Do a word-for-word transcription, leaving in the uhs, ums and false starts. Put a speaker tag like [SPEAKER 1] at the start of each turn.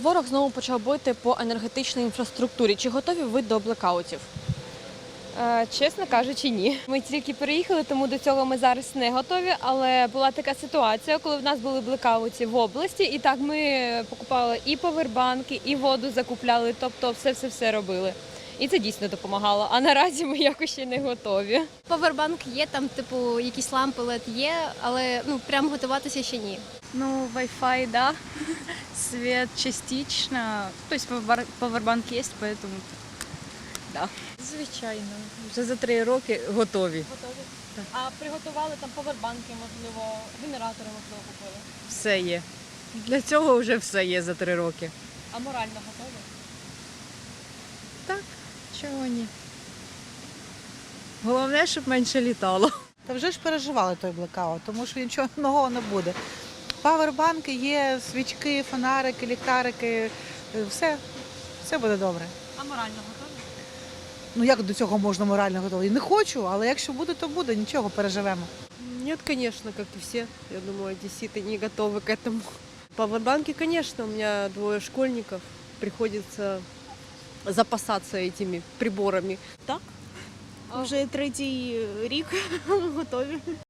[SPEAKER 1] ворог знову почав бити по енергетичній інфраструктурі. Чи готові ви до блекаутів?
[SPEAKER 2] Е, Чесно кажучи, ні. Ми тільки переїхали, тому до цього ми зараз не готові. Але була така ситуація, коли в нас були блекаути в області, і так ми покупали і повербанки, і воду закупляли, тобто все-все-все робили. І це дійсно допомагало. А наразі ми якось ще не готові.
[SPEAKER 3] Повербанк є, там, типу, якісь лампи ел і ді є, але ну прям готуватися ще ні.
[SPEAKER 4] Ну, Wi-Fi, да. Свет частично. То есть повар- павербанк есть, поэтому да.
[SPEAKER 5] Звичайно, вже за три роки готові.
[SPEAKER 1] Готові. А приготували там повербанки, можливо, генератори, можливо, купили.
[SPEAKER 5] Все є. Для цього вже все є за три роки.
[SPEAKER 1] А морально готові?
[SPEAKER 5] Так, чого ні. Головне, щоб менше літало.
[SPEAKER 6] Та вже ж переживали той блекаут, тому що нічого нового не буде. Павербанки є, свічки, фонарики, ліхтарики, все, все буде добре.
[SPEAKER 1] А морально готові?
[SPEAKER 6] Ну як до цього можна морально готові? Не хочу, але якщо буде, то буде, нічого, переживемо.
[SPEAKER 7] Нет, конечно, как и все. Я думаю, одесситы не готовы к этому. Павербанки, конечно, у меня двое школьников. Приходится запасаться этими приборами.
[SPEAKER 8] Вже третій рік готові.